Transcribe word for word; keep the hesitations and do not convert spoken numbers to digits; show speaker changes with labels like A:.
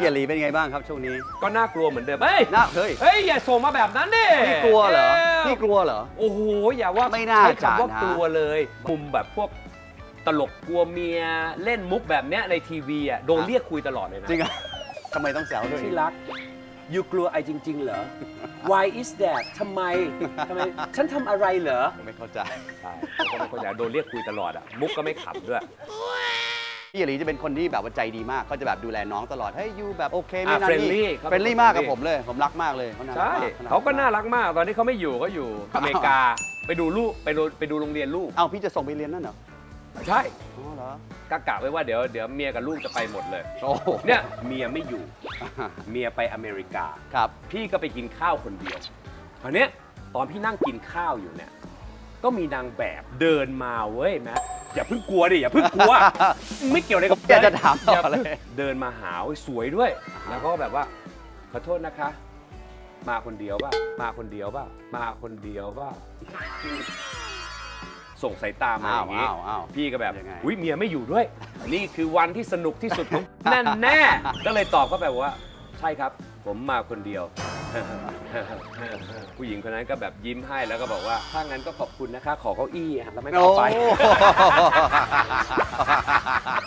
A: ยรีเป็นไงบ้างครับช่วงนี้
B: ก็น่ากลัวเหมือนเดิมเฮ้ย
A: น่าเฮ้ย
B: เฮ้ยอย่าส่งมาแบบนั้นดิ
A: พี่กลัวเหรอพี่กลัวเหรอ
B: โอ้โหอย่าว่า
A: ไม่น่า
B: ใช้
A: จะ
B: คำว่า
A: นะ
B: กลัวเลยมุมแบบพวกตลกกลัวเมียเล่นมุกแบบเนี้ยในทีวีอ่ะโดนเรียกคุยตลอดเลยนะ
A: จริงอ่ะทำไมต้องแซวด้วย
B: ที่รักยูกลัวไอจริงๆเหรอ Why is that ทำไมทำไมฉันทำอะไรเหรอ
A: ไม่เข้าใจ
B: ใช่เขาไม่เข้าใจโดนเรียกคุยตลอดอ่ะมุกก็ไม่ขำด้วย
A: พี่หลีจะเป็นคนที่แบบว่าใจดีมากเขาจะแบบดูแลน้องตลอดเฮ้ยยูแบบโอเคไม่นั่น
B: เฟรน
A: นี่
B: ลี่
A: เฟรนลี่มากกับผมเลยผมรักมากเลยเขาน่ารัก
B: ใช่
A: มาก
B: เขาก็น่ารักมากตอนนี้เขาไม่อยู่เขาอยู่อเมริกาไปดูลูกไปดูไปดูโรงเรียนลูก
A: เอ้าพี่จะส่งไปเรียนนั่นเหรอ
B: ใช่
A: อ๋อเหรอ
B: กะกะไว้ว่าเดี๋ยวเดี๋ยวเมียกับลูกจะไปหมดเลย
A: โอ้
B: เนี่ยเมียไม่อยู่เมียไปอเมริกา
A: ครับ
B: พี่ก็ไปกินข้าวคนเดียวคราวนี้ตอนพี่นั่งกินข้าวอยู่เนี่ยก็มีนางแบบเดินมาเว้ยแม่อย่าเพิ่งกลัวดิอย่าเพิ่งกลัวไม่เกี่ยวอะไรกับ
A: อยากจะถามต่อเลย
B: เดินมาหาสวยด้วยแล้วก็แบบว่าขอโทษนะคะมาคนเดียวป่ะมาคนเดียวป่ะมาคนเดียวป่ะส่งสายตามาอย่างนี้พี่ก็แบบอุ้ยเมียไม่อยู่ด้วยนี่คือวันที่สนุกที่สุดของแน่แน่ก็เลยตอบเขาไปว่าใช่ครับผมมาคนเดียวผู้หญิงคนนั้นก็แบบยิ้มให้แล้วก็บอกว่าถ้างั้นก็ขอบคุณนะคะขอเก้าอี้แล้วไม่เอาไป